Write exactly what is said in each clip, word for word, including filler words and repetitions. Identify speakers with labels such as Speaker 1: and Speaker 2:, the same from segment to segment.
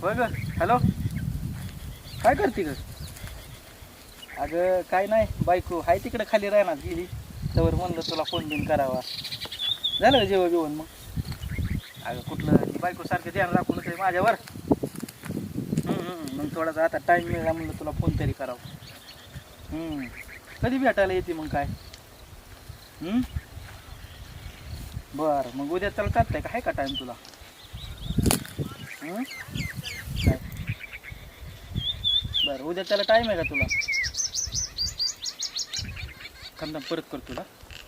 Speaker 1: बघ हॅलो काय करते ग? अगं काय नाही बायको आहे तिकडे खाली राहणार गेली तर म्हणलं तुला फोन बिन करावा. झालं का जेवण जेवण मग? अगं कुठलं ती बायको सारखं ध्यान राखून आहे माझ्यावर. हम्म, मग थोडासा आता टाईम मिळाला म्हणलं तुला फोन तरी करावा. हम्म, कधी भेटायला येते मग काय? हम्म, बरं मग उद्या त्याला करताय का? आहे का टाईम तुला? हम्म, काय बरं उद्या त्याला टाईम आहे का तुला? थांब परत कर तुला.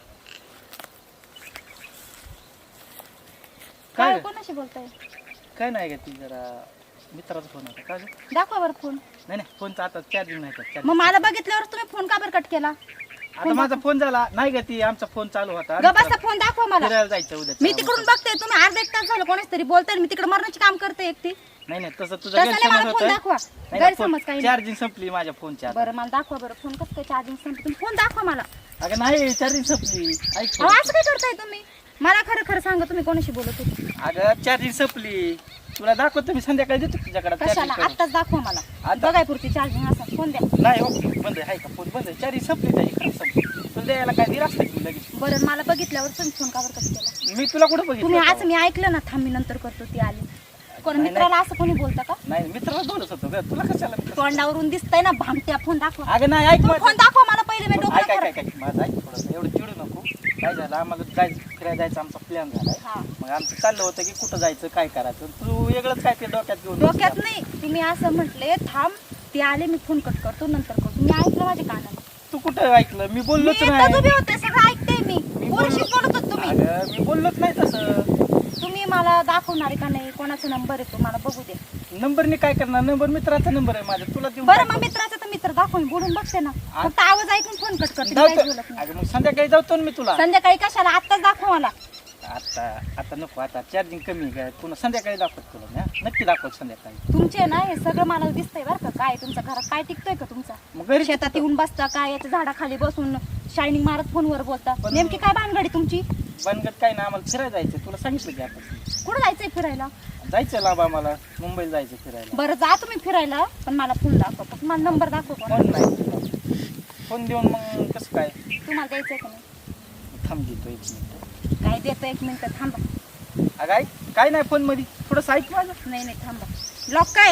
Speaker 2: काय
Speaker 1: काय
Speaker 2: कोणाशी बोलताय?
Speaker 1: काय नाही का ती जरा मित्राचा फोन होता. काय
Speaker 2: दाखवा बरं फोन.
Speaker 1: नाही नाही फोनचा आता चार्जिंग नाही का
Speaker 2: मग
Speaker 1: charging.
Speaker 2: मला बघितल्यावर तुम्ही फोन का बरं कट केला?
Speaker 1: आता माझा फोन झाला नाही का ती आमचा फोन चालू होता.
Speaker 2: गबाचा फोन दाखवा मला.
Speaker 1: फिरायला जायचं उद्या.
Speaker 2: मी तिकडून बघते तुम्ही अर्धा एक तास झालं कोणाच तरी बोलताय, मी तिकडे मरणाचे काम करते एकटी.
Speaker 1: नाही नाही तसं तुझं
Speaker 2: तसं नाही,
Speaker 1: गैरसमज
Speaker 2: मला फोन दाखवा.
Speaker 1: होतं.
Speaker 2: गैरसमज काही नाही.
Speaker 1: चार्जिंग संपली माझ्या फोनच्या.
Speaker 2: बरं मला दाखवा बरं फोन कसं काय चार्जिंग संपली, तुम्ही फोन दाखवा मला.
Speaker 1: अगं नाही चार्जिंग संपली. ऐक
Speaker 2: अहो असं काय करताय तुम्ही? मला खरं खरं सांगा तुम्ही कोणाशी बोलत होते?
Speaker 1: अगं चार्जिंग संपली तुला दाखवतो मी संध्याकाळी देतो तुझ्याकडे
Speaker 2: कशाला?
Speaker 1: charging करून.
Speaker 2: आत्ताच दाखवा मला.
Speaker 1: आता?
Speaker 2: बघाय पुरती चार्जिंग असा फोन द्या.
Speaker 1: नाही हो बंद आहे का फोन बंद आहे. चार्जिंग संपली त्याची खरं संपली. तुला द्यायला काय दिलं असतं की लगेच?
Speaker 2: बरं मला बघितल्यावर तुम्ही फोन का बरं कट केला?
Speaker 1: मी तुला कुठं
Speaker 2: तुम्ही
Speaker 1: बघितलं
Speaker 2: आज
Speaker 1: होतं?
Speaker 2: मी ऐकलं ना, थांब मी नंतर करतो ती आली. कोण
Speaker 1: नाही,
Speaker 2: मित्राला असं कोणी बोलतं का?
Speaker 1: नाही मित्राला बोलत होतो ग तुला कशाला मित्र?
Speaker 2: तोंडावरून दिसतंय ना भामट्या. फोन दाखवा.
Speaker 1: अगं नाही ऐक
Speaker 2: तुम्ही
Speaker 1: माझं.
Speaker 2: फोन दाखवा मला पहिले, मी
Speaker 1: ऐक
Speaker 2: डोक्याला
Speaker 1: ऐक
Speaker 2: खरं-
Speaker 1: ऐक ऐक माझं ऐक थोडंसं एवढं चिडू नको. काय झालं आम्हाला जायचं फिरायला जायचं आमचा प्लॅन झालाय.
Speaker 2: हा.
Speaker 1: मग आमचं चाललं होतं की कुठं जायचं काय करायचं तू वेगळंच काय ते डोक्यात घेऊन
Speaker 2: डोक्यात
Speaker 1: बसली.
Speaker 2: नाही, तुम्ही असं म्हटले थांब ती आले मी फोन कट करतो नंतर करतो. मी ऐकलं माझ्या कानाने.
Speaker 1: तू कुठं ऐकलं मी
Speaker 2: मी
Speaker 1: बोललोच
Speaker 2: एकटाच
Speaker 1: नाही.
Speaker 2: उभी होते, सगळं ऐकते मी.
Speaker 1: मी
Speaker 2: कोणाशी
Speaker 1: बोललो-
Speaker 2: बोलत होत तुम्ही?
Speaker 1: अगं मी बोललोच नाही तसं.
Speaker 2: तुम्ही मला दाखवणार का नाही कोणाचा नंबर आहे तो मला बघू दे.
Speaker 1: नंबरने काय करणार? नंबर मित्राचा नंबर आहे माझा तुला देऊन
Speaker 2: बरं
Speaker 1: काय
Speaker 2: मग
Speaker 1: करू?
Speaker 2: मित्राचा तर मित्र दाखवून बोलून बघते ना.
Speaker 1: आ-
Speaker 2: फक्त आवाज ऐकून फोन कट करते, मी
Speaker 1: जाऊ
Speaker 2: काहीच
Speaker 1: तर.
Speaker 2: बोलत नाही.
Speaker 1: अगं मग संध्याकाळी जातो ना मी तुला.
Speaker 2: संध्याकाळी कशाला? आत्ताच दाखवा मला.
Speaker 1: आता आता नको आता चार्जिंग कमी आहे काय पुन्हा संध्याकाळी दाखवत तुला मी, हा? नक्की दाखवत संध्याकाळी.
Speaker 2: तुमचे ना हे सगळं मला दिसतंय बरं का. काय तुमच्या घरात काय टिकतोय का तुमचा?
Speaker 1: मग घरी
Speaker 2: शेतात येऊन बसता काय, याच्या झाडाखाली बसून शायनिंग मारत फोनवर बोलता.
Speaker 1: पण-
Speaker 2: नेमकी काय भानगडी तुमची?
Speaker 1: बनगत काय ना आम्हाला फिरायला जायचं तुला सांगितलं की आता
Speaker 2: कुठं जायचंय फिरायला?
Speaker 1: जायचं लांब आम्हाला मुंबईला जायचं फिरायला.
Speaker 2: बरं जा तुम्ही फिरायला, पण मला फोन दाखवा. फक्त मला नंबर दाखवा कोणाचा.
Speaker 1: फोन नाही फोन देऊन मग कसं काय?
Speaker 2: तुम्हाला द्यायचंय का नाही?
Speaker 1: थांब देतो एक मिनिट.
Speaker 2: काय देतो एक मिनिट थांबा.
Speaker 1: अगं ऐक काय नाही फोन मध्ये थोडंसं ऐक माझं.
Speaker 2: नाही नाही थांबा. लॉक काय?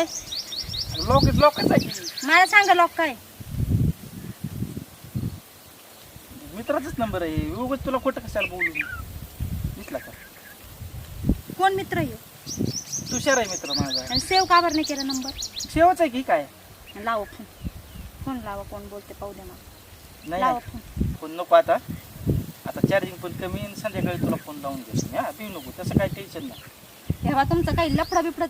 Speaker 1: लोक लोकच आहे की.
Speaker 2: मला सांगा लॉक काय?
Speaker 1: मित्राचाच नंबर आहे उगाच तुला खोटं कशाला बोलू दिसला का?
Speaker 2: कोण मित्र येऊ?
Speaker 1: तुषार आहे मित्र माझा.
Speaker 2: आणि सेव्ह का बरं नाही केला नंबर?
Speaker 1: शेवच आहे की काय?
Speaker 2: लावा फोन. फोन लावा, कोण बोलते पाहू दे मला.
Speaker 1: नाही
Speaker 2: लावा
Speaker 1: नाही.
Speaker 2: फोन.
Speaker 1: फोन नको आता आता चार्जिंग पण कमी आहे आणि संध्याकाळी तुला फोन लावून देतो हा पिऊ नको तसं काही टेन्शन नाही.
Speaker 2: तेव्हा तुमचं काही लफडा बिफडा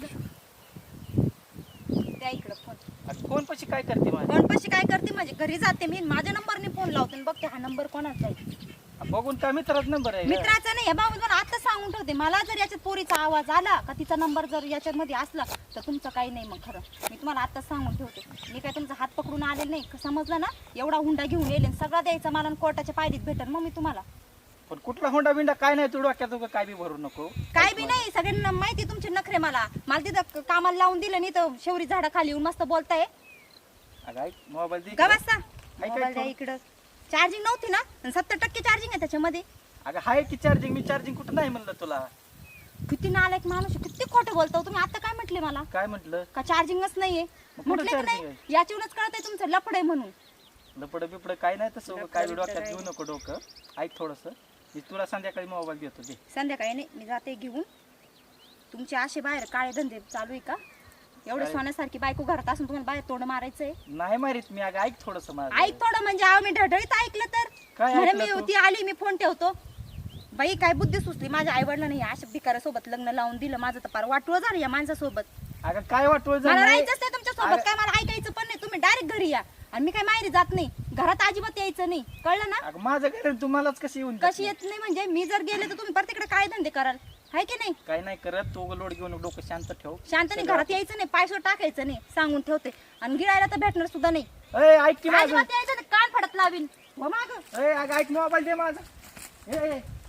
Speaker 2: त्या इकडं फोन.
Speaker 1: आता फोन पशी काय करते माझ्या?
Speaker 2: फोन पशी काय करते म्हणजे घरी जाते मी, माझ्या नंबरने फोन लावते आणि बघते हा नंबर कोणाचा आहे.
Speaker 1: बघून काय मित्राचा नंबर आहे का?
Speaker 2: मित्राचा नाही, हे बाबा मला आता सांगून ठेवते. मला जर याच्यात पोरीचा आवाज आला का तिचा नंबर जर याच्यात मध्ये असला तर तुमचं काही नाही. मग खरं मी तुम्हाला आता सांगून ठेवते. मी काय तुमचा हात पकडून आलेला नाही, समजलं ना? एवढा हुंडा घेऊन येईल सगळा द्यायचा मला आणि कोर्टाच्या पायरीत भेटेल मग मी तुम्हाला.
Speaker 1: पण कुठला होंडा बिंडा काय नाही तू डोक्यात उगा काय बी भरू नको.
Speaker 2: काय बी नाही, सगळ्यांना माहिती तुमचे नखरे. मला मला तिथं कामाला लावून दिलं नाही तर शेवरी झाडा खाली येऊन मस्त बोलताय.
Speaker 1: अगं ऐक मोबाईल दे
Speaker 2: का
Speaker 1: इकडं.
Speaker 2: बसता?
Speaker 1: ऐक,
Speaker 2: मोबाईल द्या
Speaker 1: ऐक.
Speaker 2: इकडं. चार्जिंग नव्हती ना? सत्तर टक्के चार्जिंग आहे त्याच्यामध्ये.
Speaker 1: अगं हाय की चार्जिंग मी चार्जिंग कुठं नाही म्हणलं तुला.
Speaker 2: किती नालायक माणूस आहे, किती खोटं बोलतो तुम्ही. आता काय म्हटले मला?
Speaker 1: काय म्हटलं?
Speaker 2: का चार्जिंगच नाहीये
Speaker 1: कुठं
Speaker 2: म्हटले की
Speaker 1: charging
Speaker 2: नाही? याच्यावरच कळतंय तुमचं लफड आहे म्हणून.
Speaker 1: लपड बिपड काय नाही तसं उगा काय बी
Speaker 2: लफडं
Speaker 1: डोक्यात
Speaker 2: बिपडं
Speaker 1: घेऊ नको डोकं. ऐक थोडंसं मी तुला संध्याकाळी मोबाईल देतो दे.
Speaker 2: संध्याकाळी नाही, मी जाते घेऊन. तुमचे असे बाहेर काळे धंदे चालू आहे का? एवढे
Speaker 1: काय?
Speaker 2: सोन्यासारखी बायको घरात असून तुम्हाला बाहेर तोंड मारायचंय?
Speaker 1: नाही मारीत मी अगं ऐक थोडंसं माझं.
Speaker 2: ऐक थोडं म्हणजे आव मी ढढळीत ऐकलं तर.
Speaker 1: काय
Speaker 2: म्हणे
Speaker 1: ऐकलं
Speaker 2: मी
Speaker 1: तू?
Speaker 2: होती आली मी फोन ठेवतो. बाई काय बुद्धी सुचली माझ्या आई वडिलांनी अशा भिकाऱ्यासोबत लग्न लावून दिलं. माझं तर पार वाटवं झालं या माणसासोबत.
Speaker 1: अगं काय वाटवळ
Speaker 2: मला
Speaker 1: झालं
Speaker 2: राहायचंच नाही तुमच्या सोबत.
Speaker 1: अगं-
Speaker 2: काय मला ऐकायचं पण नाही. तुम्ही डायरेक्ट घरी या आणि मी काय माहेरी जात नाही. घरात अजिबात यायचं नाही, कळलं ना?
Speaker 1: अगं माझं घर तुम्हालाच कशी येऊन
Speaker 2: कशी येत नाही म्हणजे मी जर गेले तर तुम्ही परत तिकडे काय धंदे कराल? हाय की नाही?
Speaker 1: काय नाही करत तू लोड घेऊन डोकं शांत ठेव.
Speaker 2: शांत नाही, घरात यायचं नाही, पायसो टाकायचं नाही, सांगून ठेवते. आणि गिळायला तर भेटणार सुद्धा नाही.
Speaker 1: ए ऐक की माझं.
Speaker 2: अजिबात यायचं नाही, कान फडत लावीन. हो मागं.
Speaker 1: ए अगं ऐक मोबाईल दे माझा. ए ए,